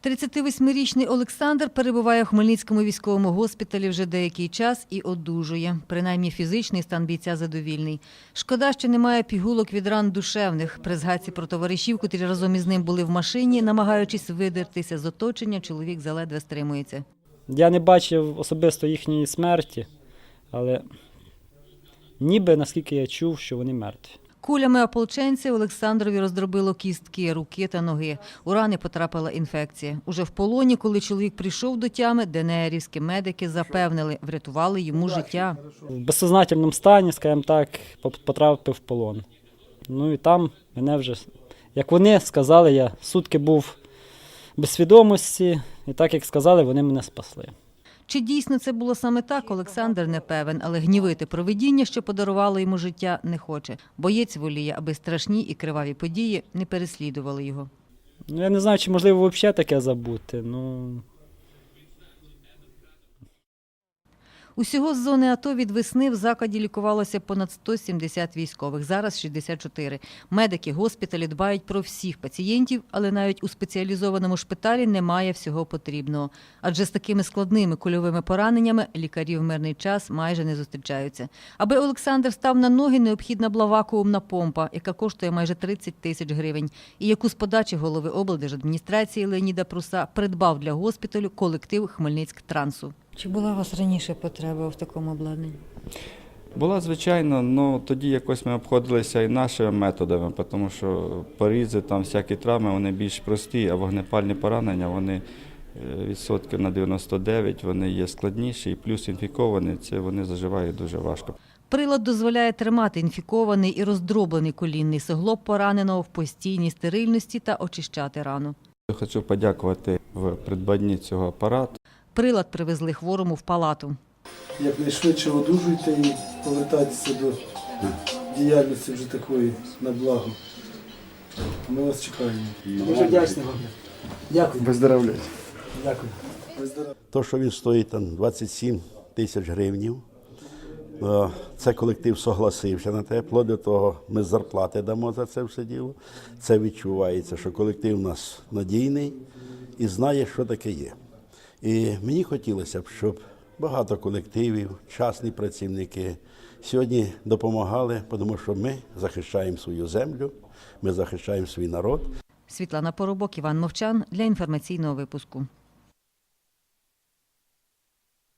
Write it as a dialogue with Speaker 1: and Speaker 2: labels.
Speaker 1: 38-річний Олександр перебуває в Хмельницькому військовому госпіталі вже деякий час і одужує. Принаймні фізичний стан бійця задовільний. Шкода, що немає пігулок від ран душевних. При згадці про товаришів, котрі разом із ним були в машині, намагаючись видертися з оточення, чоловік заледве стримується.
Speaker 2: Я не бачив особисто їхньої смерті, але ніби, наскільки я чув, що вони мертві.
Speaker 1: Кулями ополченця Олександрові роздробило кістки, руки та ноги. У рани потрапила інфекція. Уже в полоні, коли чоловік прийшов до тями, ДНРівські медики запевнили, врятували йому життя.
Speaker 2: В безсознательному стані, скажімо так, потрапив в полон. Ну і там мене вже, як вони сказали, я сутки був без свідомості, і так, як сказали, вони мене спасли.
Speaker 1: Чи дійсно це було саме так, Олександр не певен, але гнівити провидіння, що подарувало йому життя, не хоче. Боєць воліє, аби страшні і криваві події не переслідували його.
Speaker 2: Ну, я не знаю, чи можливо взагалі таке забути.
Speaker 1: Усього з зони АТО від весни в закладі лікувалося понад 170 військових, зараз 64. Медики госпіталі дбають про всіх пацієнтів, але навіть у спеціалізованому шпиталі немає всього потрібного. Адже з такими складними кульовими пораненнями лікарі в мирний час майже не зустрічаються. Аби Олександр став на ноги, необхідна була вакуумна помпа, яка коштує майже 30 тисяч гривень, і яку з подачі голови облдержадміністрації Леоніда Пруса придбав для госпіталю колектив Хмельницьктрансу. Чи була у вас раніше потреба в такому обладнанні?
Speaker 3: Була, звичайно, але тоді якось ми обходилися і нашими методами, тому що порізи, там всякі травми, вони більш прості, а вогнепальні поранення, вони відсотків на 99, вони є складніші, і плюс інфіковані, це вони заживають дуже важко.
Speaker 1: Прилад дозволяє тримати інфікований і роздроблений колінний суглоб пораненого в постійній стерильності та очищати рану.
Speaker 3: Я хочу подякувати в придбанні цього апарату.
Speaker 1: Прилад привезли хворому в палату.
Speaker 4: Якнайшвидше одужуйте і повертайтеся до діяльності вже такої на благо. Ми вас чекаємо. Дуже вдячні вам. Дякую.
Speaker 5: Виздоровляйте.
Speaker 4: Дякую.
Speaker 5: То, що він стоїть там 27 тисяч гривень, це колектив согласився на те, вплоть до того ми зарплати дамо за це все діло. Це відчувається, що колектив у нас надійний і знає, що таке є. І мені хотілося б, щоб багато колективів, частні працівники сьогодні допомагали, тому що ми захищаємо свою землю, ми захищаємо свій народ.
Speaker 1: Світлана Поробок, Іван Мовчан для інформаційного випуску.